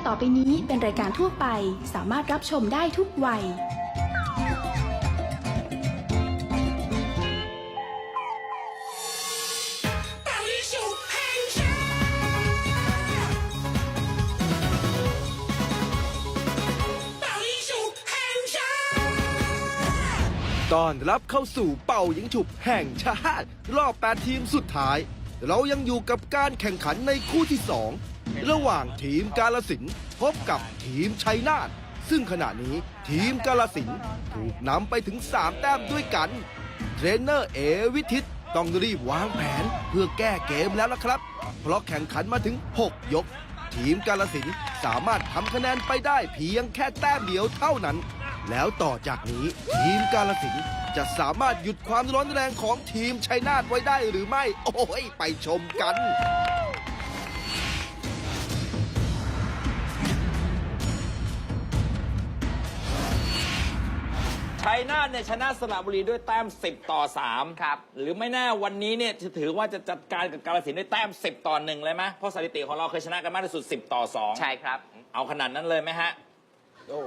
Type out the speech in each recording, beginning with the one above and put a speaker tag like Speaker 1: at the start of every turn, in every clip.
Speaker 1: ต่อไปนี้เป็นรายการทั่วไปสามารถรับชมได้ทุกวัย
Speaker 2: ต้อนรับเข้าสู่เป่ายิงฉุบแห่งชาติรอบ 8 ทีมสุดท้าย เรายังอยู่กับการแข่งขันในคู่ที่ 2 ระหว่างทีมกาฬสินธุ์พบกับทีมชัยนาทซึ่งขณะนี้ทีมกาฬสินธุ์ถูกนำไปถึง 3 แต้มด้วยกัน เทรนเนอร์เอวิทิตต้องรีบวางแผนเพื่อแก้เกมแล้วล่ะครับ เพราะแข่งขันมาถึง 6 ยก ทีมกาฬสินธุ์สามารถทำคะแนนไปได้เพียงแค่แต้มเดียวเท่านั้นแล้วต่อจากนี้ทีมกาฬสินธุ์จะสามารถหยุดความร้อนแรงของทีมชัยนาทไว้ได้หรือไม่โอ้ยไปชมกัน
Speaker 3: ชัยนาทเนี่ยชนะสระบุรีด้วยแต้ม10-3ครับหรือไม่แน่วันนี้เนี่ยจะถือว่าจะจัดการกับกาฬสินธุ์ด้วยแต้ม10-1เลยไหมเพราะสถิติของเราเคยชนะกันมากที่สุด10-2
Speaker 4: ใช่ครับ
Speaker 3: เอาขนาดนั้นเลยไหมฮะ
Speaker 4: โอ้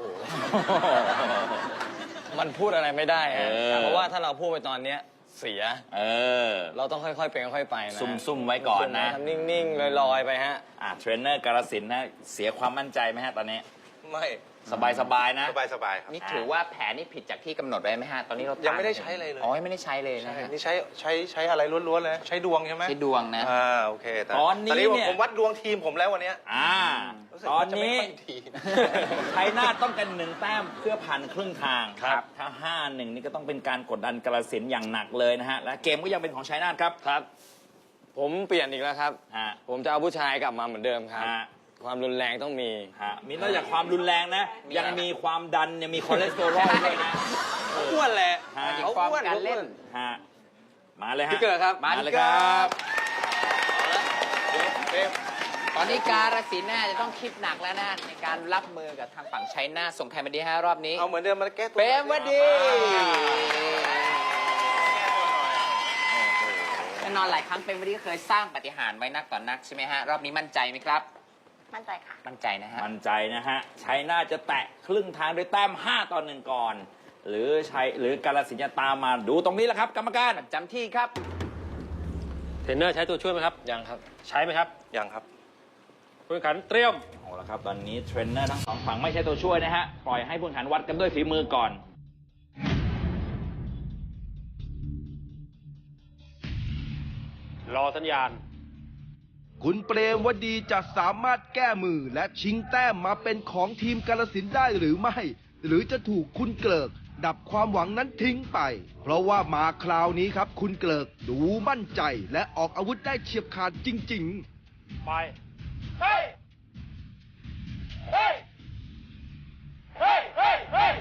Speaker 4: มันพูดอะไรไม่ได้ฮะเพราะว่าถ้าเราพูดไปตอนนี้เสียเราต้องค่อยๆเป็นค่อยๆไปนะ
Speaker 3: ซุ่มๆไว้ก่อนนะ
Speaker 4: ทำนิ่งๆลอยๆไปฮะ
Speaker 3: เทรนเนอร์กาฬสินธุ์นะเสียความมั่นใจไหมฮะตอนนี้
Speaker 4: ไม่
Speaker 3: สบายนะ
Speaker 5: สบายครับ
Speaker 4: นี่ถือว่าแผนนี่ผิดจากที่กำหนดไว้ไหมฮะตอนนี้เรา
Speaker 5: ยังไม่ได้ใช้เลย
Speaker 4: อ๋อไม่ได้ใช้เลยนะ
Speaker 5: นี่ใช้อะไรล้วนๆเลยใช้ดวงใช่ไหม
Speaker 4: ใช้ดวงนะ
Speaker 5: โอเค
Speaker 3: ตอนนี้เนี่ย
Speaker 5: ผมวัดดวงทีมผมแล้ววันนี้
Speaker 3: ตอนนี้ชัยนาทต้องกัน1 แต้มเพื่อผ่านครึ่งทาง
Speaker 4: ครับ
Speaker 3: ถ้า5-1นี่ก็ต้องเป็นการกดดันกาฬสินธุ์อย่างหนักเลยนะฮะและเกมก็ยังเป็นของชัยนาทครับ
Speaker 4: ผมเปลี่ยนอีกแล้วครับผมจะเอาผู้ชายกลับมาเหมือนเดิมครับความรุนแรงต้องมี
Speaker 3: นอกจากความรุนแรงนะยังมีความดันยังมีคอเลสเตอรอลด้วยนะ
Speaker 4: อ้วนแหละ
Speaker 3: เขา
Speaker 4: อ้วนการเล่น
Speaker 3: มาเลยฮะ
Speaker 4: พี่เกิดครับ
Speaker 3: มาเลยครับ
Speaker 4: ตอนนี้กาฬสินธุ์น่าจะต้องคิดหนักแล้วนะในการรับมือกับทางฝั่งชัยนาทส่งใครมาดีฮะรอบนี้
Speaker 5: เอาเหมือนเดิมมาแก้ตัว
Speaker 4: เปรมวดีแน่นอนหลายครั้งเปรมวดีเคยสร้างปาฏิหาริย์ไว้นักต่อนักใช่ไหมฮะรอบนี้มั่นใจไหมครับ
Speaker 6: มั่นใจค่ะ
Speaker 4: มั่นใจนะฮะ
Speaker 3: มั่นใจนะฮะชัยนาทจะแตะครึ่งทางด้วยแต้ม5-1ก่อนหรือกาฬสินธุ์จะตามมาดูตรงนี้แหละครับกรรมการ
Speaker 4: จำที่ครับ
Speaker 7: เทรนเนอร์ใช้ตัวช่วยไหมครับ
Speaker 4: ยังครับ
Speaker 7: ใช้ไหมครับ
Speaker 5: ยังครับ
Speaker 7: ผู้แข่งขันเตรียม
Speaker 3: เอาละครับตอนนี้เทรนเนอร์ทั้งสองฝั่งไม่ใช่ตัวช่วยนะฮะปล่อยให้ผู้แข่งขันวัดกันด้วยฝีมือก่อน
Speaker 7: รอสัญญาณ
Speaker 2: คุณเปรมวดีจะสามารถแก้มือและชิงแต้มมาเป็นของทีมกาฬสินธุ์ได้หรือไม่หรือจะถูกคุณเกลิกดับความหวังนั้นทิ้งไปเพราะว่ามาคราวนี้ครับคุณเกลิกดูมั่นใจและออกอาวุธได้เฉียบขาดจริงๆ
Speaker 7: ไปเฮ้ยเฮ้ยเฮ้ยเฮ้ยเฮ้ย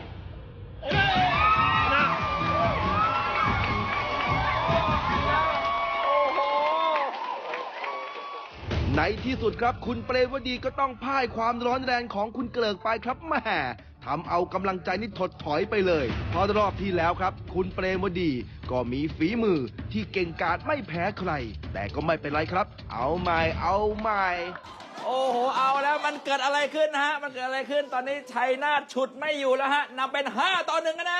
Speaker 2: ในที่สุดครับคุณเปรมวดีก็ต้องพ่ายความร้อนแรงของคุณเกลิกไปครับแหมทำเอากำลังใจนี่ถดถอยไปเลยเพราะรอบที่แล้วครับคุณเปรมวดีก็มีฝีมือที่เก่งกาจไม่แพ้ใครแต่ก็ไม่เป็นไรครับเอาใหม่
Speaker 3: โอ้โหเอาแล้วมันเกิดอะไรขึ้นนะฮะมันเกิดอะไรขึ้นตอนนี้ชัยนาทฉุดไม่อยู่แล้วฮะนำเป็น5-1กันนะ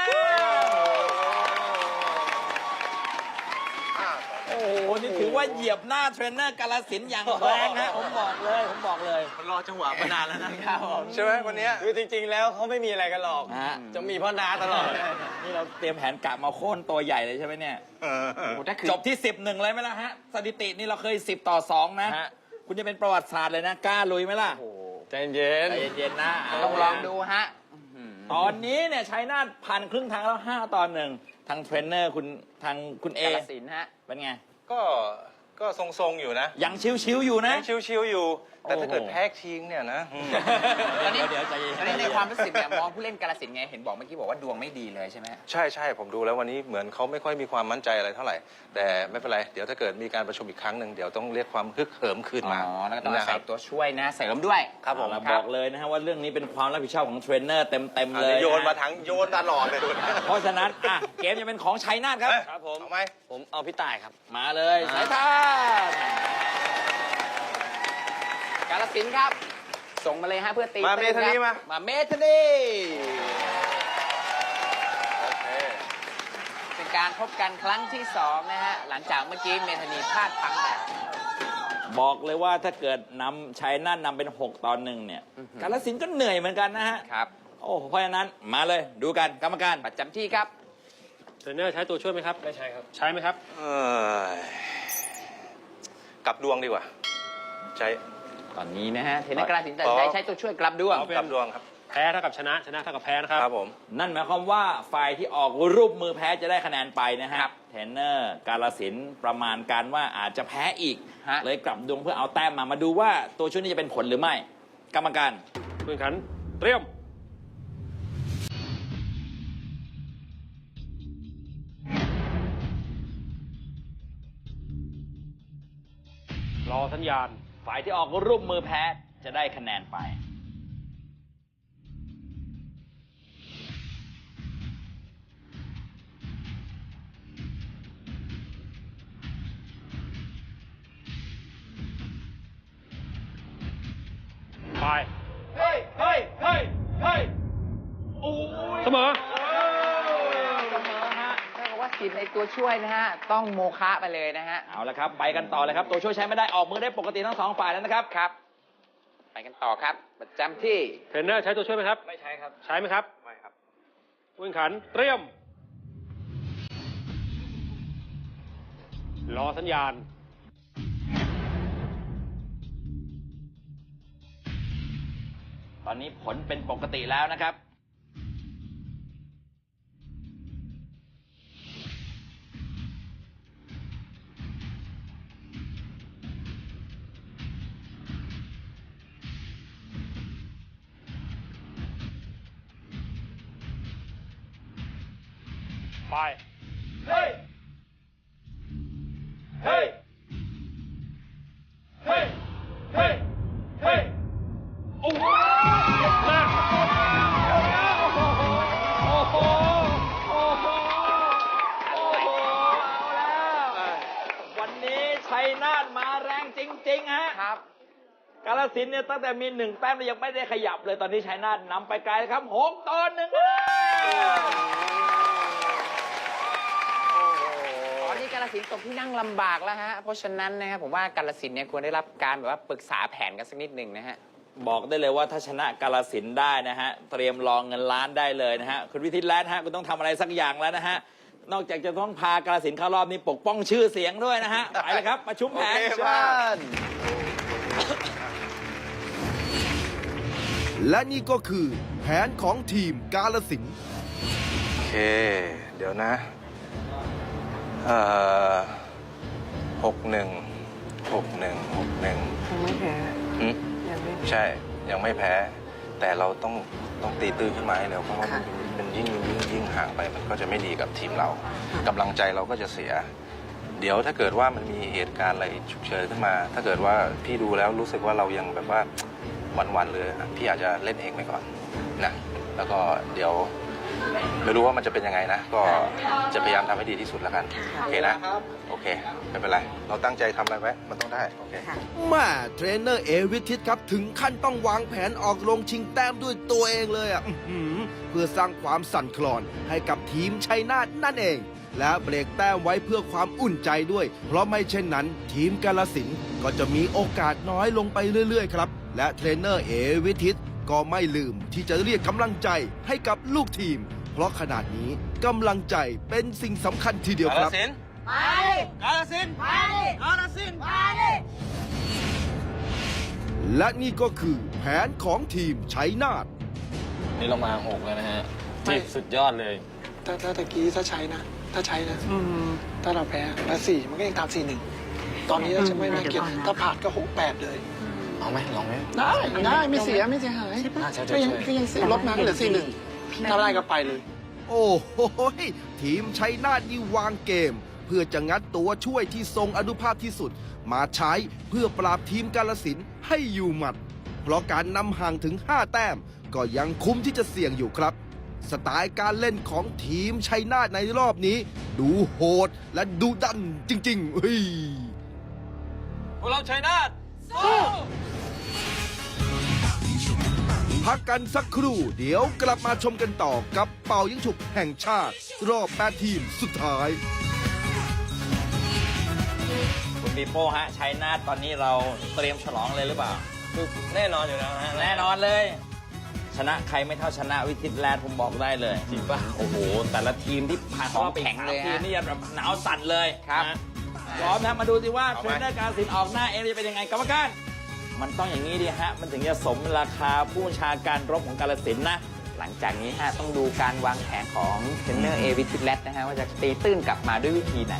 Speaker 3: โอ้โหนี่ถือว่าเหยียบหน้าเทรนเนอร์กาฬสินธุ์อย่างแรงฮะผมบอกเลย
Speaker 4: รอจังหวะมานานแล้วนะครับ
Speaker 5: ใช่ไหมวันนี้
Speaker 4: คือจริงๆแล้วเขาไม่มีอะไรกันหรอกจะมีพ่อนาตลอด
Speaker 3: นี่เราเตรียมแผนกะมาโค่นตัวใหญ่เลยใช่ไหมเนี่ยจบที่10-1เลยไหมล่ะฮะสถิตินี่เราเคย10-2นะคุณจะเป็นประวัติศาสตร์เลยนะกล้าลุยไหมล่ะ
Speaker 4: ใจเย็น
Speaker 3: นะ
Speaker 4: ต้องลองดูฮะ
Speaker 3: ตอนนี้เนี่ยชัยนาทผ่านครึ่งทางแล้ว5-1ทางเทรนเนอร์คุณเอก
Speaker 4: าฬสินธุ์ฮะ
Speaker 3: เป็นไง
Speaker 5: ก็ทรงๆอยู่นะ
Speaker 3: ยังชิวๆอยู่นะ
Speaker 5: ยังชิวๆอยู่แต่ถ้าเกิดแพ้ทิ้งเนี่ยนะ
Speaker 4: ตอนนี้ในความรู้สึกเนี่ยมองผู้เล่นกาฬสินธุ์ไงเห็นบอกเมื่อกี้บอกว่าดวงไม่ดีเลยใช่ไหม
Speaker 5: ใช่ผมดูแล้ววันนี้เหมือนเขาไม่ค่อยมีความมั่นใจอะไรเท่าไหร่แต่ไม่เป็นไรเดี๋ยวถ้าเกิดมีการประชุมอีกครั้งหนึ่งเดี๋ยวต้องเรียกความฮึกเหิมคืนมา
Speaker 4: แล้วก็ต้องใส่ตัวช่วยนะใส่ล้มด้วย
Speaker 5: ครับผม
Speaker 3: บอกเลยนะฮะว่าเรื่องนี้เป็นความรับผิดชอบของเทรนเนอร์เต็มเลย
Speaker 5: โยนมาทั้งโยนตลอดเลย
Speaker 3: เพราะฉะนั้นเกมจะเป็นของชัยนาทครับ
Speaker 5: ผมเอาไหม
Speaker 4: ผมเอาพี่ต่ายครับ
Speaker 3: มาเลยสายทาน
Speaker 4: กาฬสินธุ์ครับส่งมาเลยฮะเพื่อตี
Speaker 5: มาเมธานี
Speaker 4: ครับ
Speaker 5: มา
Speaker 4: เมธานี
Speaker 5: โอเค
Speaker 4: เป็นการพบกันครั้งที่2นะฮะหลังจากเมื่อกี้เมธานีพลาดพลั้งไป
Speaker 3: บอกเลยว่าถ้าเกิดนำชัยนาทนำเป็น6-1เนี่ยกาฬสินธุ์ก็เหนื่อยเหมือนกันนะฮะ
Speaker 4: ครับ
Speaker 3: โอ้เพราะฉะนั้นมาเลยดูกันกรรมการ
Speaker 4: ประจำที่ครับ
Speaker 6: เทรนเนอร์ใช้ตัวช่วยไหมครับ ไม่ใช่ครับ ใช้ไหมครับ
Speaker 5: กลับดวงดีกว่า ใช้
Speaker 4: ตอนนี้นะฮะเทรนเนอร์กาฬสินธุ์ตัดสินใจใช้ตัวช่วยกลับด้วง
Speaker 6: เอาเป็น
Speaker 5: กลับดวงครับ
Speaker 6: แพ้เท่ากับชนะ ชนะเท่ากับแพ้นะครับ
Speaker 5: ครับผม
Speaker 3: นั่นหมายความว่าฝ่ายที่ออกรูปมือแพ้จะได้คะแนนไปนะฮะ
Speaker 4: ครับ
Speaker 3: เทรนเนอร์กาฬสินธุ์ประมาณการว่าอาจจะแพ้อีก
Speaker 4: ฮะ
Speaker 3: เลยกลับดวงเพื่อเอาแต้มมาดูว่าตัวช่วยนี้จะเป็นผลหรือไม่ กรรมการ
Speaker 6: ผู้แข่งขันเตรียม รอสัญญาณ
Speaker 3: ฝ่ายที่ออกรูปมือแพ้จะได้คะแนนไป
Speaker 6: ไป
Speaker 7: เฮ้ย เฮ้ย เฮ้ย เฮ้ย
Speaker 6: เสมอ
Speaker 4: เสมอฮะถ้ากับว่าสิทธิ์ในตัวช่วยนะฮะต้องโมฆะไปเลยนะฮะ
Speaker 3: เอาละครับ ไปกันต่อเลยครับ ตัวช่วยใช้ไม่ได้ออกมือได้ปกติทั้งสองฝ่ายแล้วนะครับ
Speaker 4: ครับ ไปกันต่อครับ ประจำที่
Speaker 6: เทรนเนอร์ใช้ตัวช่วยไหมครับ
Speaker 5: ไม่ใช้ครับ
Speaker 6: ใช้ไหมครับ
Speaker 5: ไม่ครับ
Speaker 6: ผู้แข่งขันเตรียม รอสัญญาณ
Speaker 3: ตอนนี้ผลเป็นปกติแล้วนะครับ
Speaker 6: ไป
Speaker 7: เฮ้ย เฮ้ย เฮ้ย เฮ้ย เฮ้ย
Speaker 6: โอ้โหมา
Speaker 3: โอ้โห โอ้โห โอ้โห เอาแล้ว วันนี้ชัยนาทมาแรงจริง ๆ ฮะ
Speaker 4: ครับ
Speaker 3: กาฬสินธุ์เนี่ยตั้งแต่มี1 แต้มแล้วยังไม่ได้ขยับเลย ตอนนี้ชัยนาทนำไปไกลครับ6-1
Speaker 4: ตอนนี้กาฬสินธุ์ตกที่นั่งลำบากแล้วฮะ เพราะฉะนั้นนะครับผมว่ากาฬสินธุ์เนี่ยควรได้รับการแบบว่าปรึกษาแผนกันสักนิดหนึ่งนะฮะ
Speaker 3: บอกได้เลยว่าถ้าชนะกาฬสินธุ์ได้นะฮะ เตรียมรองเงินล้านได้เลยนะฮะ คุณวิทิตแล้วนะฮะ คุณต้องทำอะไรสักอย่างแล้วนะฮะ นอกจากจะต้องพากาฬสินธุ์เข้ารอบนี้ปกป้องชื่อเสียงด้วยนะฮะ ไปเลยครับ ประชุมแผน
Speaker 5: โอเค
Speaker 3: เชิ
Speaker 5: มา
Speaker 3: ญ
Speaker 2: และนี่ก็คือแผนของทีมกาฬสินธุ์
Speaker 5: โอเค เดี๋ยวนะ 61 61 61
Speaker 8: ยังไม่แพ้
Speaker 5: หืม
Speaker 8: ยังไม่
Speaker 5: ใช่ ยังไม่แพ้ แต่เราต้องตีตื้นขึ้นมาให้เร็วเพราะว่า
Speaker 8: ค่ะ
Speaker 5: มันยิ่งห่างไปมันก็จะไม่ดีกับทีมเรากำลังใจเราก็จะเสีย เดี๋ยวถ้าเกิดว่ามันมีเหตุการณ์อะไรฉุกเฉินขึ้นมา ถ้าเกิดว่าพี่ดูแล้วรู้สึกว่าเรายังแบบว่าวันๆเลยอ่ะพี่อาจจะเล่นเองไปก่อนนะแล้วก็เดี๋ยวไม่รู้ว่ามันจะเป็นยังไงนะ ก็จะพยายามทำให้ดีที่สุดแล้วกัน โอเคนะ โอเค ไม่เป็นไร เราตั้งใจทำอะไรไว้มันต้องได้ โอเค
Speaker 2: แม่เทรนเนอร์เอวิทิตครับ ถึงขั้นต้องวางแผนออกลงชิงแต้มด้วยตัวเองเลยอ่ะเพื่อสร้างความสั่นคลอนให้กับทีมชัยนาทนั่นเอง และเบรกแต้มไว้เพื่อความอุ่นใจด้วย เพราะไม่เช่นนั้น ทีมกาฬสินธุ์ก็จะมีโอกาสน้อยลงไปเรื่อยๆครับ และเทรนเนอร์เอวิทิตก็ไม่ลืมที่จะเรียกกำลังใจให้กับลูกทีม เพราะขนาดนี้กำลังใจเป็นสิ่งสำคัญทีเดียวครับ และนี่ก็คือแผนของทีมชัยนาท
Speaker 9: นี่เรามา6แล้วนะฮะที่สุดยอดเลย
Speaker 8: ถ้าตะกี้ถ้าใช้นะ ถ้าเราแพ้แล้ว4มันก็ยังตาม4-1 ตอนนี้เราจะไม่น่าเกลียดถ้าผ่านก็6-8เลย
Speaker 9: เอาไหมลองไหม
Speaker 8: ได้ไม่เสียหาย
Speaker 9: น่าจะ
Speaker 8: ก็ยัง
Speaker 9: ช่วย
Speaker 8: ลดมาเหลือ4-1 ถ้าได้ก็ไปเลย
Speaker 2: โอ้โหทีมชัยนาทนี่วางเกม เพื่อจะงัดตัวช่วยที่ทรงอนุภาพที่สุด มาใช้เพื่อปราบทีมกาฬสินธุ์ให้อยู่หมัด เพราะการนำห่างถึง 5 แต้ม ก็ยังคุ้มที่จะเสี่ยงอยู่ครับ สไตล์การเล่นของทีมชัยนาทในรอบนี้ ดูโหดและดูดันจริงๆเฮ้ย
Speaker 3: พวกเราชัยนาทสู้
Speaker 2: พักกันสักครู่เดี๋ยวกลับมาชมกันต่อกับเป่ายิงฉุบแห่งชาติ รอบ8ทีมสุดท้าย
Speaker 3: คุณปีโป้ฮะชัยนาทตอนนี้เราเตรียมฉลองเลยหรือเปล่า
Speaker 9: คือแน่นอนอยู่แล้วฮะ
Speaker 3: แน่นอนเลย ชนะใครไม่เท่าชนะวิทิตแลนด์ผมบอกได้เลย
Speaker 9: จริงป่ะ
Speaker 3: โอ้โห แต่ละทีมที่ผ่าน
Speaker 4: ของแข็งเลย
Speaker 3: ทีม
Speaker 4: ฮะ
Speaker 3: นี่แบบหนาวสั่นเลย
Speaker 4: ครับ
Speaker 3: นะพร้อมนะมาดูสิว่าเทรนเนอร์การศิลป์ออกหน้าเองจะเป็นยังไงกรรมการ มันต้องอย่างนี้ดิฮะ มันถึงจะสมราคาผู้บัญชาการรบของกาฬสินธุ์นะ
Speaker 4: หลังจากนี้ฮะต้องดูการวางแผนของเทรนเนอร์เอวิทิแลตนะฮะว่าจะตีตื้นกลับมาด้วยวิธีไหน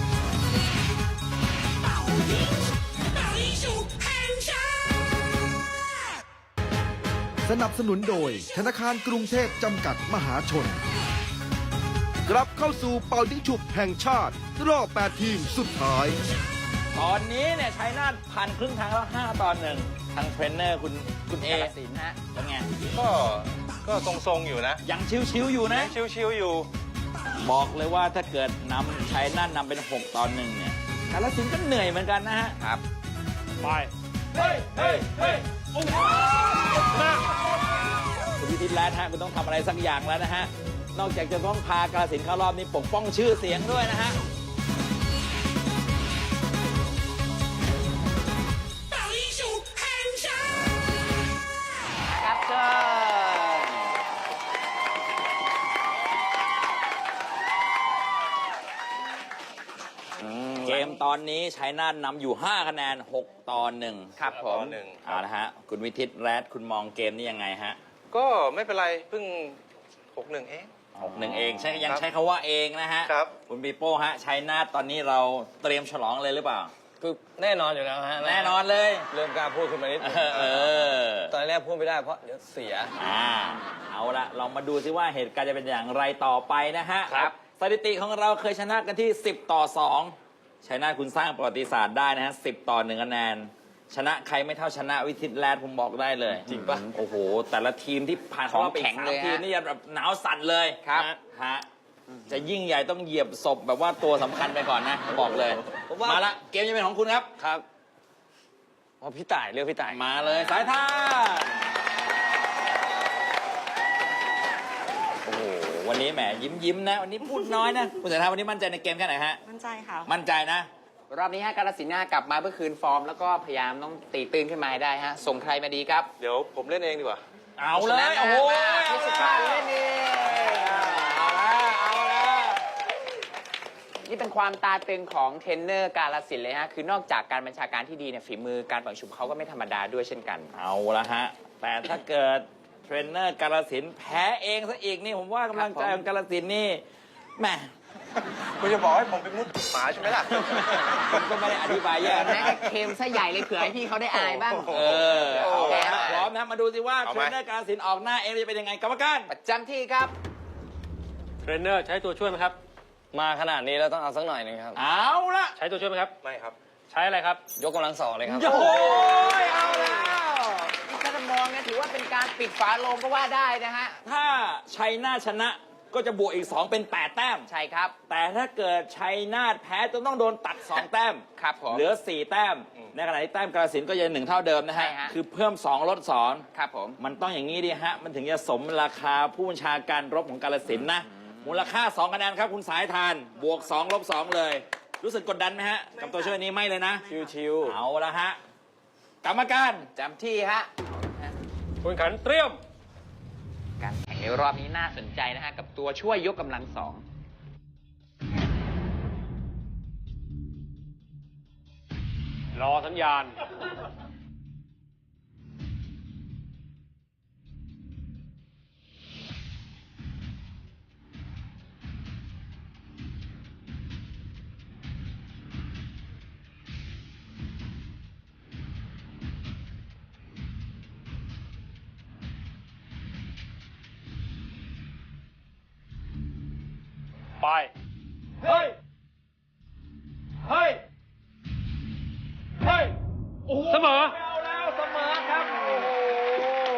Speaker 2: สนับสนุนโดยธนาคารกรุงเทพจำกัดมหาชน กลับเข้าสู่เป่ายิงฉุบแห่งชาติ รอบ8ทีมสุดท้าย
Speaker 3: ตอนนี้เนี่ยชัยนาทผ่านครึ่งทางแล้ว5-1ทางเทรนเนอร์คุณเอก
Speaker 4: าฬสินธุ์ฮะ
Speaker 3: เป็นไง
Speaker 5: ก็ทรงๆอยู่นะ
Speaker 3: ยังชิวๆอยู่นะ
Speaker 5: ชิวๆอยู่
Speaker 3: บอกเลยว่าถ้าเกิดนำชัยนาทนำเป็น6-1เนี่ยกาฬสินธุ์ก็เหนื่อยเหมือนกันนะฮะ
Speaker 4: ครับ
Speaker 6: ไป เฮ้ย เฮ้ย เฮ้ย โอ้โหนะ
Speaker 3: คุณวิทิตแลนด์ฮะคุณต้องทำอะไรสักอย่างแล้วนะฮะ นอกจากจะต้องพากาฬสินธุ์เข้ารอบนี้ปกป้องชื่อเสียงด้วยนะฮะ
Speaker 4: ครับเชิญ
Speaker 3: เกมตอนนี้ชัยนาทนำอยู่5คะแนน6-1
Speaker 4: ครับผม
Speaker 3: เอาละฮะคุณวิทิตแลนด์คุณมองเกมนี้ยังไงฮะ
Speaker 5: ก็ไม่เป็นไรเพิ่ง 6-1 เอง
Speaker 3: 6-1 เองใช่ยัง
Speaker 5: ครับ
Speaker 3: ใช้คำว่าเองนะฮะ
Speaker 5: ครับ
Speaker 3: คุณปีโป้ฮะชัยนาทตอนนี้เราเตรียมฉลองเลยหรือเปล่า
Speaker 9: คือแน่นอนอยู่แล้วฮะ
Speaker 3: แน่นอนเลย
Speaker 9: เริ่มกล้าพูดขึ้นมานิดนึง
Speaker 3: เออ
Speaker 9: ตอนแรกพูดไม่ได้เพราะเดี๋ยวเสีย
Speaker 3: เอาละเรามาดูซิว่าเหตุการณ์จะเป็นอย่างไรต่อไปนะฮะ
Speaker 4: ครับ
Speaker 3: สถิติของเราเคยชนะกันที่10-2ชัยนาทคุณสร้างประวัติศาสตร์ได้นะฮะ10-1 คะแนน ชนะใครไม่เท่าชนะวิทิตแลนด์ผมบอกได้เลย
Speaker 9: จริงปะ
Speaker 3: โอ้โห แต่ละทีมที่ผ่าน
Speaker 4: ของแข็งเลย
Speaker 3: ทีม
Speaker 4: ฮะ
Speaker 3: นี่แบบหนาวสั่นเลย
Speaker 4: ครับ
Speaker 3: ฮะจะยิ่งใหญ่ต้องเหยียบศพแบบว่าตัวสำคัญไปก่อนนะบอกเลย
Speaker 9: ผมว่า
Speaker 3: มาละเกมจะเป็นของคุณครับ
Speaker 9: ครับเพราะพี่ต่ายเลือกพี่ต่าย
Speaker 3: มาเลยสายท่านโอ้โหวันนี้แหมยิ้มนะวันนี้พูดน้อยนะคุณสายท่านวันนี้มั่นใจในเกมแค่ไหนฮะ
Speaker 10: มั่นใจค่ะ
Speaker 3: มั่นใจนะ
Speaker 4: รอบนี้ฮะกาฬสินธุ์กลับมาเพื่อคืนฟอร์ม แล้วก็พยายามต้องตีตื้นขึ้นมาให้ได้ฮะ ส่งใครมาดีครับ
Speaker 5: เดี๋ยวผมเล่นเองดีกว่า
Speaker 3: เอาเลยโอ้โห
Speaker 4: พิสุภาพเล่นเอง
Speaker 3: เอาละ
Speaker 4: นี่เป็นความตาตึงของเทรนเนอร์กาฬสินธุ์เลยฮะ คือนอกจากการบัญชาการที่ดีเนี่ยฝีมือการเป่าฉุบเขาก็ไม่ธรรมดาด้วยเช่นกัน
Speaker 3: เอาละฮะแต่ถ้าเกิดเทรนเนอร์กาฬสินธุ์แพ้เองซะอีกนี่ผมว่ากำลังใจของกาฬสินธุ์นี่แหม
Speaker 5: คุณจะบอกให้ผมเป็นมุดหมาใช่ไหมล่ะ
Speaker 3: ผมก็ไม่ได้อธิบายแย่
Speaker 4: แม้
Speaker 3: นะ
Speaker 4: ก็เค็มซะใหญ่เลยเผื่อให้พี่เขาได้อายบ้าง
Speaker 3: เออเอาละฮะพร้อมนะมาดูสิว่า
Speaker 5: เอา
Speaker 3: เท
Speaker 5: ไห
Speaker 3: ร
Speaker 5: ม
Speaker 3: นเนอร์กาฬสินธุ์ออกหน้าเองจะเป็นยังไงกรรมการ
Speaker 4: ประจำที่ครับ
Speaker 6: เทรนเนอร์ใช้ตัวช่วยไหมครับ
Speaker 9: มาขนาดนี้เราต้องเอาสักหน่อยหนึงครับ
Speaker 3: เอาละ
Speaker 6: ใช้ตัวช่วยไหมครับ
Speaker 5: ไม่ครับ
Speaker 6: ใช้อะไรครับ
Speaker 9: ยกกำลังสองเลยครับ
Speaker 3: โอ้ยเอาแล้ว
Speaker 4: นี่ถ้าจะมองเนี่ยถือว่าเป็นการปิดฝาโลงก็ว่าได้นะฮะ
Speaker 3: ถ้าชัยนาทชนะก็จะบวกอีก 2 เป็น 8 แต้ม
Speaker 4: ใช่ครับ
Speaker 3: แต่ถ้าเกิดชัยนาทแพ้จะต้องโดนตัด 2 แต้ม
Speaker 4: ครับผม
Speaker 3: เหลือ 4 แต้ม ในขณะที่แต้มกาฬสินธุ์ก็ยัง1 เท่าเดิมนะ
Speaker 4: ใช่
Speaker 3: ฮะ
Speaker 4: ฮะ
Speaker 3: คือเพิ่ม 2 ลด
Speaker 4: ครับผม
Speaker 3: 2 มันต้องอย่างนี้ดิฮะ มันถึงจะสมราคาผู้บัญชาการรบของกาฬสินธุ์นะ มูลค่า 2 คะแนนครับคุณสายทาน บวก 2 ลบ 2 เลย รู้สึกกดดันไหมฮะ กับตัวช่วยนี้ไม่เลยนะ
Speaker 9: ชิว
Speaker 3: เอาละฮะ กรรมการ
Speaker 4: จำที่ฮะ
Speaker 6: คุณขันเตรียม
Speaker 4: การแข่งในรอบนี้น่าสนใจนะฮะ กับตัวช่วยยกกำลังสอง
Speaker 6: รอสัญญาณ ไป เฮ้ย เฮ้ย เฮ้ย เสมอ
Speaker 3: เอาแล้วเสมอครับ โอ้โห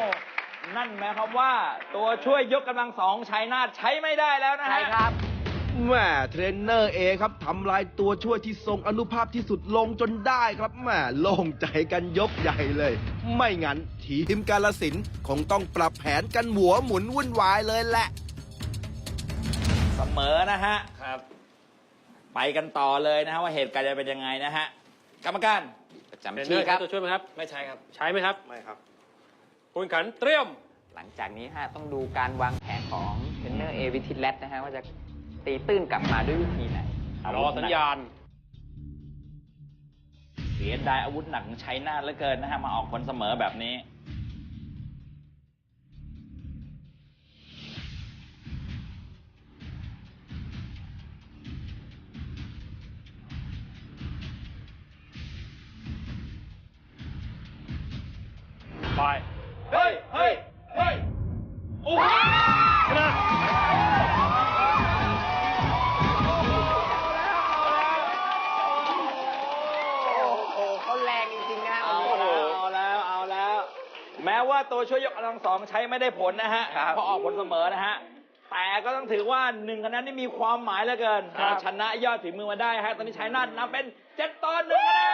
Speaker 3: นั่นหมายความว่าตัวช่วยยกกำลังสองชัยนาทใช้ไม่ได้แล้วนะฮะ
Speaker 4: ใช่ครับ
Speaker 2: แหม่เทรนเนอร์เอครับทำลายตัวช่วยที่ทรงอนุภาพที่สุดลงจนได้ครับแหม่โล่งใจกันยกใหญ่เลย ไม่งั้นทีมกาลสินธุ์คงต้องปรับแผนกันหัวหมุนวุ่นวายเลยแหละ
Speaker 3: เสมอนะฮะครับ ไปกันต่อเลยนะฮะว่าเหตุการณ์จะเป็นยังไงนะฮะกรรมการ
Speaker 4: ประจำ
Speaker 6: เทรนเนอ
Speaker 4: ที่
Speaker 6: ร์
Speaker 4: ค
Speaker 6: ใช้
Speaker 4: รับ
Speaker 6: ตัวช่วยไหมครับ
Speaker 9: ไม่ใช่ครับ
Speaker 6: ใช้ไหมครับ
Speaker 5: ไม่ครับ
Speaker 6: ผู้แข่งขันเตรียม
Speaker 4: หลังจากนี้ฮะต้องดูการวางแผนของเทรนเนอร์เอวิทิตแลตนะฮะว่าจะตีตื้นกลับมาด้วยวิธีไหน
Speaker 6: รอสัญญาณ
Speaker 3: เสียดายอาวุธหนักของชัยนาทเหลือเกินนะฮะมาออกผลเสมอแบบนี้
Speaker 6: ไป
Speaker 7: เฮ้ย เฮ้ย เฮ้ย
Speaker 6: โอ้โหชนะ
Speaker 4: โอ้เขาแรงจริงๆนะ
Speaker 3: เอาแล้ว แม้ว่าตัวช่วยยกกำลังสองใช้ไม่ได้ผลนะฮะ
Speaker 4: ครับ
Speaker 3: เพราะออกผลเสมอนะฮะ แต่ก็ต้องถือว่า1คะแนนนี่มีความหมายเหลือเกินเราชนะยอดฝีมือมาได้ฮะ ตอนนี้ชัยนาทนำเป็น7-1คะแนน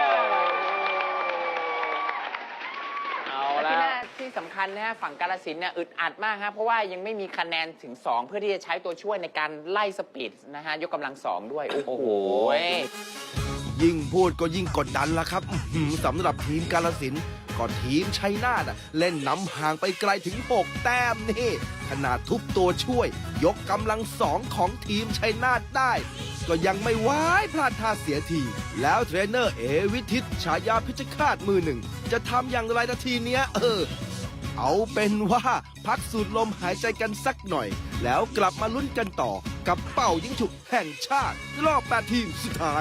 Speaker 3: เอา
Speaker 4: และ
Speaker 3: แล้ว
Speaker 4: ที่สำคัญนะฮะฝั่งกาฬสินธุ์เนี่ยอึดอัดมากครับเพราะว่ายังไม่มีคะแนนถึง 2 เพื่อที่จะใช้ตัวช่วยในการไล่สปีดนะฮะยกกำลัง 2 ด้วย โอ้โห
Speaker 2: ยิ่งพูดก็ยิ่งกดดันละครับสำหรับทีมกาลสินธุ์ก็ทีมชัยนาทเล่นนำห่างไปไกลถึง 6 แต้มนี่ขนาดทุบตัวช่วย ยกกำลังสองของทีมชัยนาทได้ ก็ยังไม่ไหวพลาดท่าเสียที แล้วเทรนเนอร์เอวิทิตฉายาพิชคาตมือหนึ่ง จะทำอย่างไรนาทีเนี้ยเอาเป็นว่าพักสูดลมหายใจกันสักหน่อย แล้วกลับมาลุ้นกันต่อกับเป่ายิงฉุบแห่งชาติ รอบ 8 ทีมสุดท้าย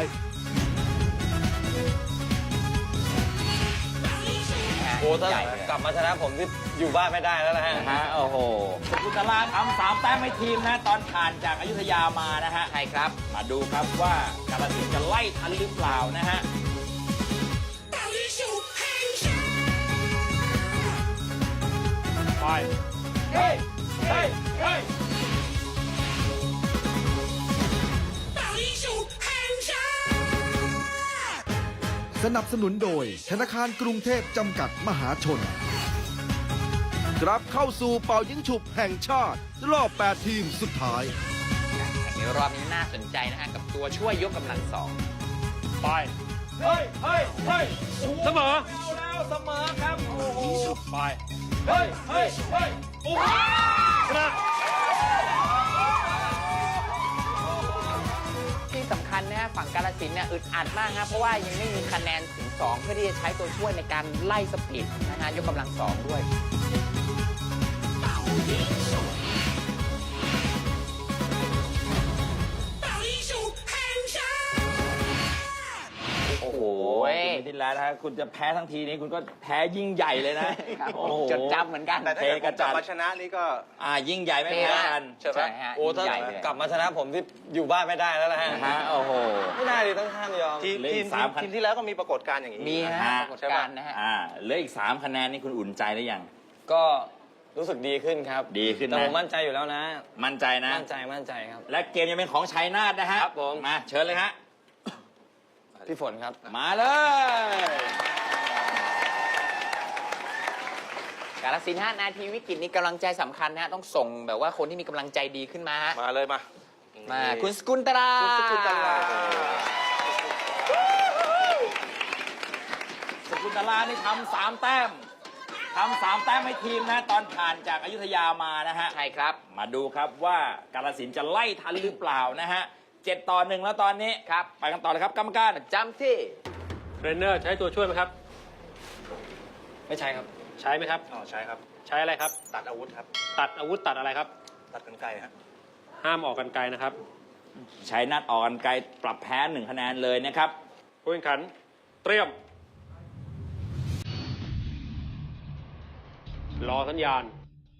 Speaker 9: โอ้ถ้า
Speaker 4: ใหญ่เลย
Speaker 9: กลับมาชนะผมที่อยู่บ้านไม่ได้แล้วนะฮะ
Speaker 3: นะฮะ โอ้โหกุตลาทำ3 แต้มให้ทีมนะ ตอนผ่านจากอยุธยามานะฮะ
Speaker 4: ใช่ครับ
Speaker 3: มาดูครับว่ากาฬสินธุ์จะไล่ทันหรือเปล่านะฮะ
Speaker 6: ไป
Speaker 7: เฮ้ย เฮ้ย เฮ้ย
Speaker 2: สนับสนุนโดยธนาคารกรุงเทพจำกัดมหาชน กลับเข้าสู่เป่ายิงฉุบแห่งชาติ รอบ 8 ทีมสุดท้าย
Speaker 4: ในรอบนี้น่าสนใจนะฮะกับตัวช่วยยกกำลัง 2
Speaker 6: ไป
Speaker 7: เฮ้ย เฮ้ย เฮ้ย
Speaker 6: เสมอ
Speaker 3: เอาแล้วเสมอครับ โอ้โห
Speaker 6: ไป
Speaker 7: เฮ้ย เฮ้ย เฮ้ย โอ้โห
Speaker 6: ชนะ
Speaker 4: ที่สำคัญนะฮะฝั่งกาฬสินธุ์เนี่ยอึดอัดมากครับเพราะว่ายังไม่มีคะแนนถึง 2 เพื่อที่จะใช้ตัวช่วยในการไล่สปีดนะฮะยกกำลัง 2 ด้วย
Speaker 3: โอ้โหคุณที่แล้วนะฮะคุณจะแพ้ทั้งทีนี้คุณก็แพ้ยิ่งใหญ่เลยนะ โอ้โห
Speaker 4: จดจำเหมือนกัน
Speaker 5: แต่ถ้าเกิดผมกลับมาชนะนี่ก็
Speaker 3: ยิ่งใหญ่ไม่แพ้กัน
Speaker 4: ใช่ไหมฮะ
Speaker 9: โอ้ถ้า
Speaker 4: ใหญ่เลย
Speaker 9: กลับมาชนะผมที่อยู่บ้านไม่ได้แล้วนะฮะ
Speaker 3: นะฮะ โอ้โห
Speaker 9: ไม่ได้ดิต้องห้ามยอม
Speaker 5: ทีม
Speaker 3: เหลืออี
Speaker 5: ทีม
Speaker 3: ก3
Speaker 5: ทีมที่แล้วก็มีปรากฏการณ์อย่างนี้
Speaker 4: มีฮะ
Speaker 3: ฮะ
Speaker 4: ปรากฏการณ์นะฮะ
Speaker 3: เหลืออีก3 คะแนนนี่คุณอุ่นใจหรือยัง
Speaker 9: ก็รู้สึกดีขึ้นครับ
Speaker 3: ดีขึ้นนะ
Speaker 9: แต่ผมมั่นใจอยู่แล้วนะ
Speaker 3: มั่นใจนะ
Speaker 9: มั่นใจครับ
Speaker 3: และเกมยังเป็นของชัยนาทนะฮะ
Speaker 9: ครับผม
Speaker 3: มาเชิญเลยฮะ
Speaker 9: พี่ฝนครับ
Speaker 3: มาเลย
Speaker 4: กาฬสินธุ์ฮะนาทีวิกฤตนี้กำลังใจสำคัญนะฮะต้องส่งแบบว่าคนที่มีกำลังใจดีขึ้นมาฮะ
Speaker 5: มาเลยมา
Speaker 4: มาคุณสกุลตรา
Speaker 5: คุณสกุลตรา
Speaker 3: สกุลตลานี่ทำ3 แต้มทำ3 แต้มให้ทีมนะ ตอนผ่านจากอยุธยามานะฮะ
Speaker 4: ใช่ครับ
Speaker 3: มาดูครับว่ากาฬสินธุ์จะไล่ทันหรือเปล่านะฮะ7-1แล้วตอนนี้
Speaker 4: ครับ
Speaker 3: ไปกันต่อเลยครับกรรมการ
Speaker 4: จำที่
Speaker 6: เทรนเนอร์ใช้ตัวช่วยไหมครับ
Speaker 9: ไม่ใช่ครับ
Speaker 6: ใช้ไหมครับ
Speaker 5: อ๋อใช่ครับ
Speaker 6: ใช้อะไรครับ
Speaker 5: ตัดอาวุธครับ
Speaker 6: ตัดอาวุธตัดอะไรครับ
Speaker 5: ตัดกรรไกรครับ
Speaker 6: ห้ามออกกันไกลนะครับ
Speaker 3: ชัยนาทออกกันไกลปรับแพ้1 คะแนนเลยนะครับ
Speaker 6: ผู้แข่งขันเตรียม รอสัญญาณ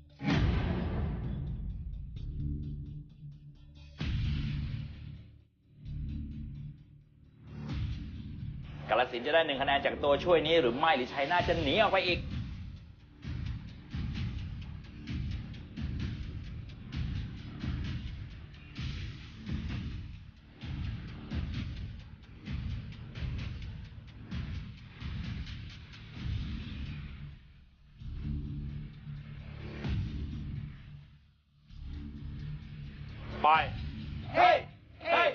Speaker 3: กาฬสินธุ์จะได้1 คะแนนจากตัวช่วยนี้หรือไม่หรือชัยนาทจะหนีออกไปอีก
Speaker 6: ไป
Speaker 7: เฮ้ย เฮ้ย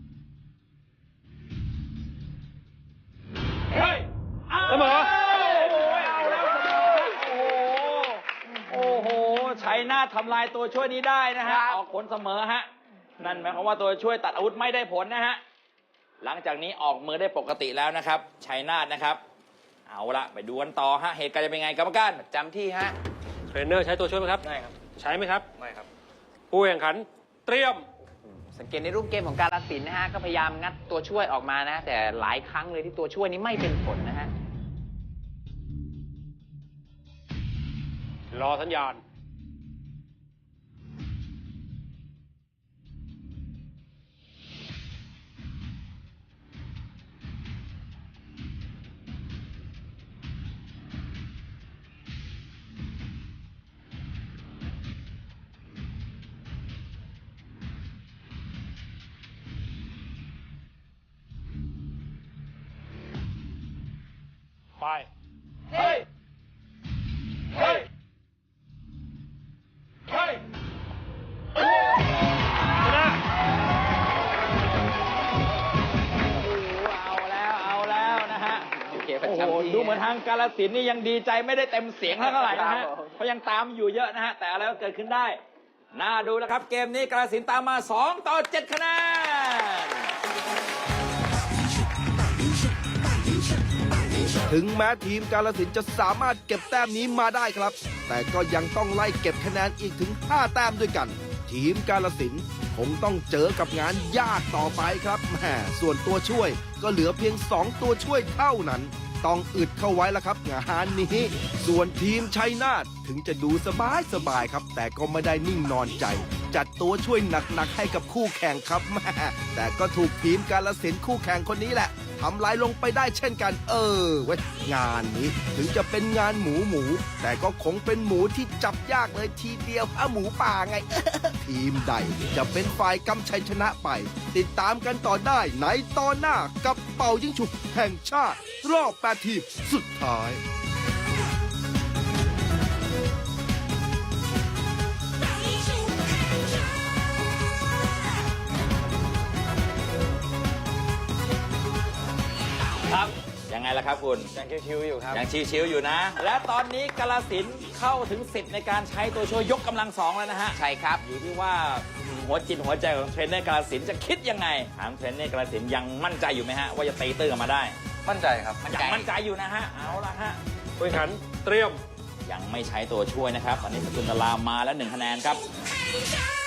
Speaker 7: เฮ้ย
Speaker 6: เสมอ
Speaker 3: เอาแล้วเสมอโอ้โหชัยนาททำลายตัวช่วยนี้ได้นะฮะ ออกผลเสมอฮะ นั่นหมายความว่าตัวช่วยตัดอาวุธไม่ได้ผลนะฮะ หลังจากนี้ออกมือได้ปกติแล้วนะครับ ชัยนาทนะครับ เอาละไปดูกันต่อฮะ เหตุการณ์จะเป็นไงกรรมการ
Speaker 4: จำที่ฮะ
Speaker 6: เทรนเนอร์ใช้ตัวช่วยไหมครับ
Speaker 9: ได้ครับ
Speaker 6: ใช้ไหมครับ
Speaker 9: ไม่ครับ
Speaker 6: ผู้แข่งขันเตรียม
Speaker 4: สังเกตในรูปเกมของกาฬสินธุ์นะฮะ ก็พยายามงัดตัวช่วยออกมานะ แต่หลายครั้งเลยที่ตัวช่วยนี้ไม่เป็นผลนะฮะ
Speaker 6: รอสัญญาณ ไป
Speaker 7: เฮ้ย เฮ้ย เฮ้ย
Speaker 6: ชนะ
Speaker 3: เอาแล้วนะฮะ
Speaker 4: โอเค
Speaker 3: โอ้โห
Speaker 4: ประจำที่
Speaker 3: ดูเหมือนทางกาลสินธุ์นี่ยังดีใจไม่ได้เต็มเสียงเท่าไหร่นะฮะ เพราะยังตามอยู่เยอะนะฮะ แต่อะไรก็เกิดขึ้นได้ น่าดูแล้วครับ เกมนี้กาลสินธุ์ตามมา 2-7 คะแนน
Speaker 2: ถึงแม้ทีมกาลสินธุ์จะสามารถเก็บแต้มนี้มาได้ครับ แต่ก็ยังต้องไล่เก็บคะแนนอีกถึง 5 แต้มด้วยกัน ทีมกาลสินธุ์คงต้องเจอกับงานยากต่อไปครับแหมส่วนตัวช่วยก็เหลือเพียง 2 ตัวช่วยเท่านั้น ต้องอึดเข้าไว้แล้วครับงานนี้ ส่วนทีมชัยนาทถึงจะดูสบายๆครับ แต่ก็ไม่ได้นิ่งนอนใจ จัดตัวช่วยหนักๆให้กับคู่แข่งครับแหมแต่ก็ถูกทีมกาลสินธุ์คู่แข่งคนนี้แหละทำลายลงไปได้เช่นกันเว้ยงานนี้ถึงจะเป็นงานหมูแต่ก็คงเป็นหมูที่จับยากเลยทีเดียวหมูป่าไง ทีมใดจะเป็นฝ่ายกำชัยชนะไป ติดตามกันต่อได้ในตอนหน้ากับเป่ายิงฉุบแห่งชาติ รอบ 8 ทีมสุดท้าย
Speaker 3: ครับยังไงล่ะครับคุณ
Speaker 9: ยังชิวๆอยู่ครับ
Speaker 3: ยังชิวๆอยู่นะ และตอนนี้กาลสินธุ์เข้าถึงสิทธิ์ในการใช้ตัวช่วยยกกำลัง 2แล้วนะฮะ
Speaker 4: ใช่ครับ
Speaker 3: อยู่ที่ว่าหัวจิตหัวใจของเทรนเนอร์กาลสินธุ์จะคิดยังไงถามเทรนเนอร์กาลสินธุ์ยังมั่นใจอยู่ไหมฮะว่าจะตีตื้นออกมาได้
Speaker 5: มั่นใจครับ
Speaker 3: ยังมั่นใจอยู่นะฮะเอาละฮะ
Speaker 6: ผู้แข่งขันเตรียม
Speaker 3: ยังไม่ใช้ตัวช่วยนะครับตอนนี้สกุลตลามาแล้ว1 คะแนนครับ